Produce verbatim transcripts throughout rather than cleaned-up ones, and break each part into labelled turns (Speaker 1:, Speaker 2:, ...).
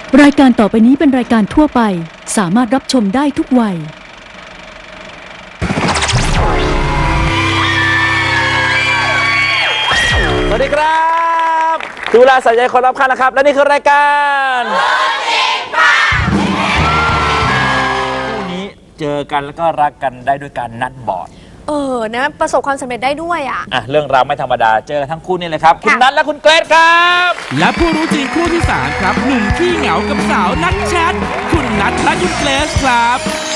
Speaker 1: รายการต่อไปนี้เป็นรายการทั่วไปสามารถรับชมได้ทุกวัย
Speaker 2: สวัสดีครับดูแลใส่ใจคนรอบข้างนะครับและนี่คือรายการคู่นี้เจอกันแล้วก็รักกันได้ด้วยการนัดบอร์ด
Speaker 3: เออนะประสบความสำเร็จได้ด้วยอ่ะ
Speaker 2: อ่ะเรื่องราวไม่ธรรมดาเจอทั้งคู่นี่เลยครับคุณนัทและคุณเกรซครับ
Speaker 4: และผู้รู้จริงคู่ที่สามครับหนุ่มขี้เหงากับสาวนักแชทคุณนัทและคุณเกรซครับ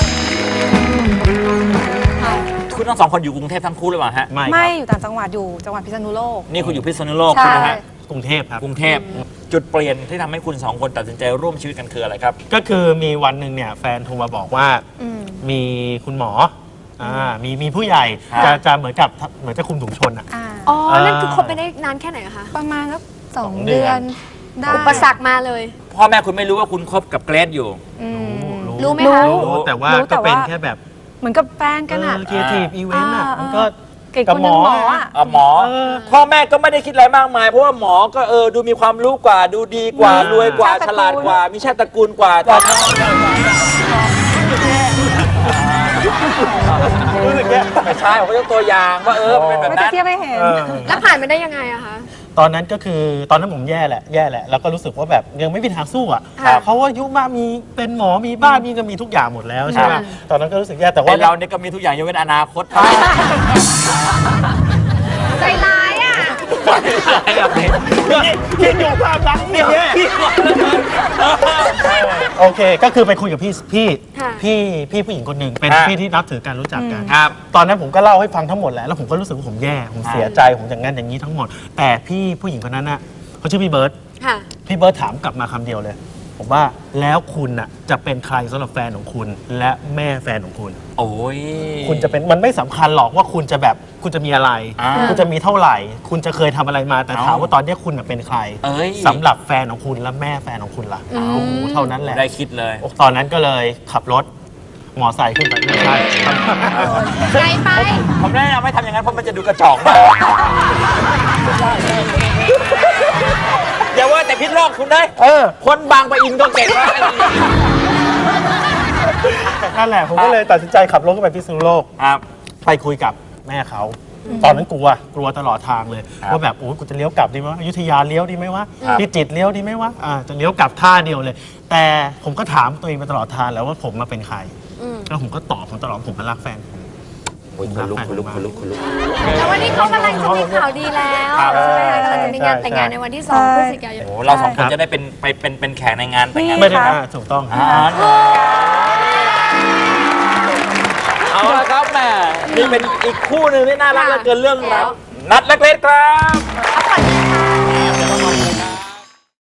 Speaker 2: คุณทั้งสองคนอยู่กรุงเทพทั้งคู่หรือเปล่าฮะ
Speaker 5: ไม่
Speaker 3: ไม่อยู่ต่างจังหวัดอยู่จังหวัดพิษณุโลก
Speaker 2: นี่คุณอยู่พิษณุโลก
Speaker 3: ใช่
Speaker 2: ใช่ไหมฮะ
Speaker 5: กรุงเทพครับ
Speaker 2: กรุงเทพจุดเปลี่ยนที่ทำให้คุณสองคนตัดสินใจร่วมชีวิตกันคืออะไรครับ
Speaker 5: ก็คือมีวันหนึ่งเนี่ยแฟนโทรมาบอกว่ามีคุณหมออ่ามีมีผู้ใหญ่จะจะเหมือนกับเหมือนจะคุมถุงชนอ่ะ
Speaker 3: อ๋อนั่นคือคบไปได้นานแค่ไหนคะ
Speaker 6: ประมาณสักสอง
Speaker 5: เดื
Speaker 6: เดื
Speaker 5: อ
Speaker 6: อน นได้
Speaker 3: อุปสรรคมาเลย
Speaker 2: พ่อแม่คุณไม่รู้ว่าคุณคบกับเกรซอยู่
Speaker 3: รู้ไหมคะ
Speaker 5: รู้แต่ว่าก็เป็นแค่แบบ
Speaker 6: เหมือนกับแฟนกันอ่ะ
Speaker 5: ครีเอทีฟอีเวนต์อ่ะมันก็
Speaker 6: เก่งคนหนึ่งหมออ่ะ
Speaker 2: อ่ะหมอพ่อแม่ก็ไม่ได้คิดอะไรมากมายเพราะว่าหมอก็เออดูมีความรู้กว่าดูดีกว่ารวยกว่าฉลาดกว่ามีชาติตระกูลกว่าแต่รู้สึกแย่ไม่ใช่ผมก็ยกตัวอย่างว่าเออเป็นแบบนั้น
Speaker 6: ไม่จะเทียบให้เห็น
Speaker 3: แล้วผ่านมาได้ยังไงอะคะ
Speaker 5: ตอนนั้นก็คือตอนนั้นผมแย่แหละแย่แหละแล้วก็รู้สึกว่าแบบยังไม่มีทางสู้อ่ะเพราะว่าอายุมากมีเป็นหมอมีบ้านมีก็มีทุกอย่างหมดแล้วใช่ไหมตอนนั้นก็รู้สึกแย่แต่ว่า
Speaker 2: เราเนี่ยก็มีทุกอย่างยกเว้นอนาคต
Speaker 3: ใจร้ายอ่ะ
Speaker 5: คิดอยู่ความรักเนี่ยโอเคก็คือไปคุยกับพี่พี่พี่พี่ผู้หญิงคนหนึ่งเป็นพี่ที่นับถือการรู้จักกันตอนนั้นผมก็เล่าให้ฟังทั้งหมดแหละแล้วผมก็รู้สึกว่าผมแย่ผมเสียใจผมอย่างนั้นอย่างนี้ทั้งหมดแต่พี่ผู้หญิงคนนั้นน่ะเขาชื่อพี่เบิร์ตพี่เบิร์ตถามกลับมาคำเดียวเลยผมว่าแล้วคุณน่ะจะเป็นใครสำหรับแฟนของคุณและแม่แฟนของคุณ
Speaker 2: โอ้ย
Speaker 5: คุณจะเป็นมันไม่สำคัญหรอกว่าคุณจะแบบคุณจะมีอะไรคุณจะมีเท่าไหร่คุณจะเคยทำอะไรมาแต่ถามว่าตอนนี้คุณเป็นใครสำหรับแฟนของคุณและแม่แฟนของคุณล่ะโอ้โหเท่านั้นแหละ
Speaker 2: ได้คิดเลย
Speaker 5: ตอนนั้นก็เลยขับรถมอไซค์ขึ้นไปไม่ใช่
Speaker 3: ไกลไป
Speaker 2: ผมแนะนำไม่ทำอย่างนั้นเพราะมันจะดูกระจอกมากอย่าว่าแต่พิษโลกคุณได้เออคนบางปะอินก็เก่งแล้ว
Speaker 5: นั่นแหละผมก็เลยตัดสินใจขับรถขึ้นไปพิษณุโลกไปคุยกับแม่เขาตอนนั้นกลัวกลัวตลอดทางเลยว่าแบบโอ้กูจะเลี้ยวกลับดีไหมอยุธยาเลี้ยวดีไหมวะพิจิตรเลี้ยวดีไหมวะอ่าจะเลี้ยวกลับท่าเดียวเลยแต่ผมก็ถามตัวเองมาตลอดทางแล้วว่าผมมาเป็นใครแล้วผมก็ตอบผมตลอดผมมารักแฟน
Speaker 2: ผมคุณลุกคุณลุกคุณลุกคุณลุก
Speaker 3: แต่วันนี้เขากำลังจะมีข่าวดีแล้วใช่ไหมคะกำลังจะมีงานแต่งงานในวันที่สองพฤศจิกายน
Speaker 2: โอ้เราสองคนจะได้เป็นไปเป็นเป็นแขกในงานแต่งงาน
Speaker 5: ไม่ได้ถูกต้อง
Speaker 2: เอาละครับแม่นี่เป็นอีกคู่หนึ่งที่น่ารักเหลือเกินเรื่องราวนัทและเกรซครับ